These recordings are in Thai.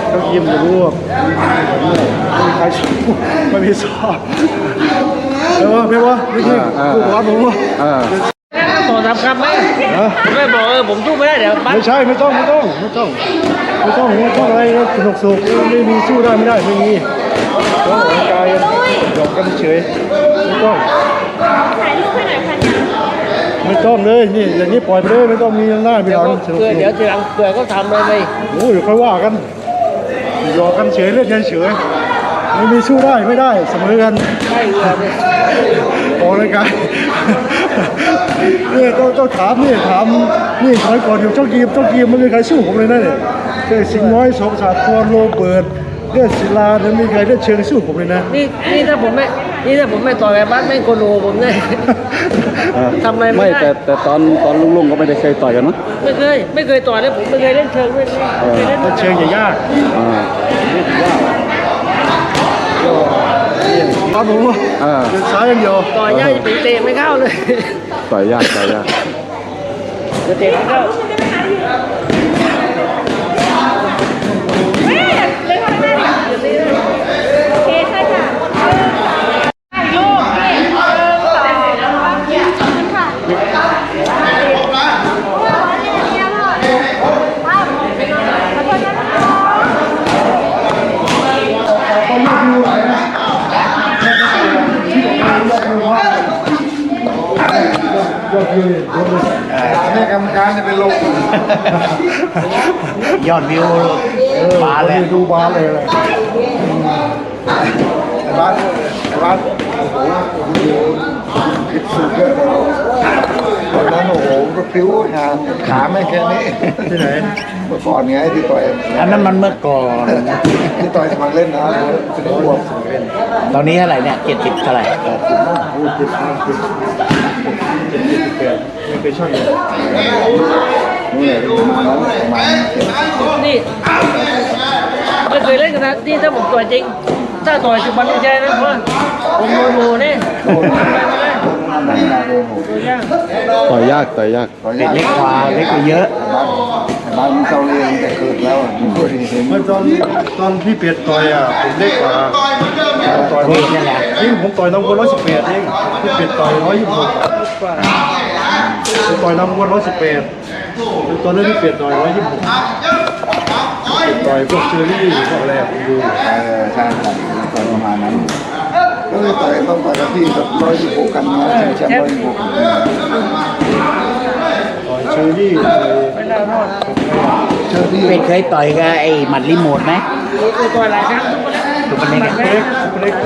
ต้องยิ้มจะรู้ว่าไม่มีใครสู้ไม่มีสอบไม่ว่าไม่ใช่ผู้บอลผมว่าต่อทำครับไหมไม่บอกผมสู้ไม่ได้เดี๋ยวไม่ใช่ไม่ต้องอะไรสนุกไม่มีสู้ได้ไม่ได้ไม่มีต้องออกกำลังกายหยอกกันเฉยไม่ต้องถ่ายรูปให้หน่อยค่ะไม่ต้องเลยนี่อย่างนี้ปล่อยไปเลยไม่ต้องมีหน้ามีหลังสนุกเดี๋ยวทีหลังเกิดก็ทำเลยไปโอ้ยค่อยว่ากันหยอกกันเฉยเล่นกันเฉยไม่มีสู้ได้ไม่ได้เสมอกันใช่เลยออกกำลังกายเนี่ยต้องถามนี่สมัยก่อนอยู่เจ้ากีมไม่มีใครสู้ผมเลยนะเนี่ยสิงห์น้อยสองสาทรโรเบิร์ตเลือดศิลาเนี่ยมีใครได้เชิงสู้ผมเลยนะนี่ถ้าผมไม่ต่อยแบบบ้านไม่โกโนผมเนี่ยทำอะไรไม่ได้แต่ตอนลุงก็ไม่ได้เคยต่อยกันมั้งไม่เคยต่อยเลยผมไม่เคยเล่นเชิงเลยเชิงยากครับผมเดินซ้ายอย่างเดียวต่อยยากจะเตะไม่เข้าเลยต่อยยากจะเตะไม่เข้าแม่กรรมการจะเป็นลมยอดวิวบาเลยดูบาเลยบ้านโอ้โหผิดสุดเลยตอนนั้นโอ้โหก็พริ้วขาไม่แค่นี้ที่ไหนเมื่อก่อนไงที่ต่อยอันนั้นมันเมื่อก่อนที่ต่อยสมัครเล่นนะเป็นรวมตอนนี้เท่าไหร่เนี่ย70เท่าไหร่ไม่เคยช่างเลยนี่ไม่เคยเล่นกันนะที่ถ้าผมต่อยจริงถ้าต่อยจุบันใจนะเพราะผมโมเนี่ยต่อยยากเล็กกว่าเล็กกว่าเยอะบ้านเจ้าเลี้ยงแต่เกิดแล้วเมื่อตอนพี่เปียดต่อยผมเล็กกว่าต่อยนี่แหละยิ่งผมต่อยน้ำวน118เองพี่เปียดต่อย126ต่อยน้ำวน118ตอนนั้นพี่เปียดต่อย126ต่อยพวกเชอรี่พวกอะไรผมดูใช่ต่อยประมาณนั้นก็เลยต่อยต้องต่อยกับพี่กับ126กันนะแชมป์126ต่อยเชอรี่ไม่น่ารอดเชอรี่เคยต่อยกับไอ้หมัดรีโมทไหมเคยต่อยหลายครั้งทุกคนเล็ก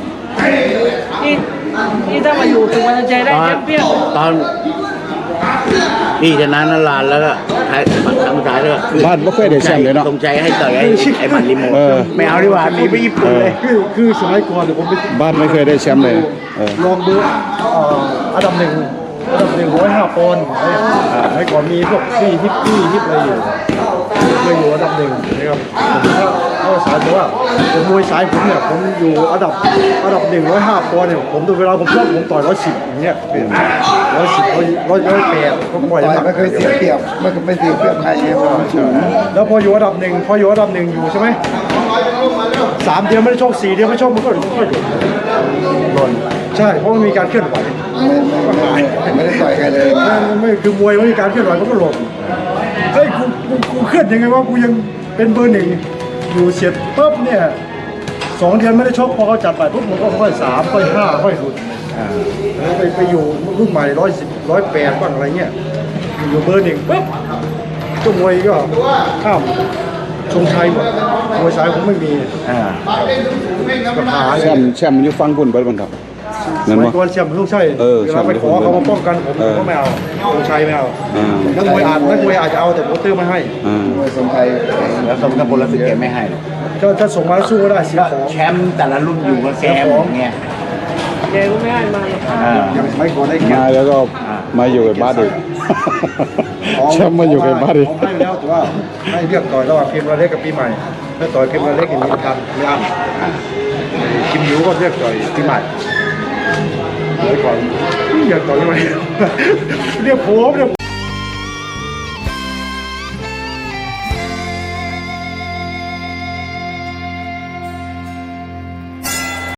นี่ถ้ามาอยู่ถึงวันใจได้แชมเปี้ยนตอนพี่ชนะนันลานแล้วก็ท้ายครั้งสุดท้ายแล้วบ้านไม่เคยได้แชมป์เลยเนาะตรงใจให้ต่อยไอ้หมัดรีโมทไม่เอาดีกว่ามีไปญี่ปุ่นเลยคือสมัยก่อนผมบ้านไม่เคยได้แชมป์เลยลองดูอันดับหนึ่ง105 ปอนด์สมัยก่อนมีพวกฮิปอะไรอยู่เคยอยู่อันดับหนึ่งนะครับเขาสายบอกว่าผมมวยสายผมเนี่ยผมอยู่อันดับ105 ปอนด์เนี่ยผมดูเวลาผมชอบผมต่อย110อย่างเงี้ยเป็น110 108ผมปล่อยไม่เคยเสียเปรียบไม่เสียเปรียบใครเนี่ยแล้วพออยู่อันดับหนึ่งอยู่ใช่ไหม3 เดือนไม่ได้ชก4 เดือนไม่ชกมันก็หล่นใช่เพราะมันมีการเคลื่อนไหวไม่ได้ต่อยกันเลยไม่คือมวยไม่มีการเคลื่อนไหวมันก็หล่นเฮ้ยกูเคลื่อนยังไงวะกูยังเป็นเบอร์ 1อยู่เสร็จปุ๊บเนี่ย2 เดือนไม่ได้ชกพอเขาจัดไปปุ๊บมันก็ค่อย3ค่อย5ค่อยหลุดไปอยู่รุ่นใหม่110 108บ้างอะไรเงี้ยอยู่เบอร์ 1ปุ๊บตัวมวยก็ข้ามชงชัยหมดมวยสายผมไม่มีปัญหาแชมป์อยู่ฟังบุญไปบ้างครับสมัยก่อนแชมป์ลูกใช่เวลาไปขอเขามาป้องกันผมก็ไม่เอาชงชัยไม่เอานักมวยอาจจะเอาแต่โปรเตอร์ไม่ให้มวยสงชัยแล้วสมกับพลศึกแกไม่ให้หรอกถ้าส่งมาสู้ก็ได้เสียของแชมป์แต่ละรุ่นอยู่กับแกเงี้ยแกก็ไม่ให้มาอย่างสมัยก่อนได้มาแล้วก็มาอยู่กับบ้านอีกแชมป์มาอยู่กับบ้านอีกให้แล้วแต่ว่าให้เลือกต่อยระหว่างพิมพ์ระเล็กกับปีใหม่ถ้าต่อยพิมพ์ระเล็กอย่างนี้ทันไม่อั้นคิมยูก็เลือกต่อยปีใหม่เดี๋ยวก่อนอยากต่อยทำไมเรียกผม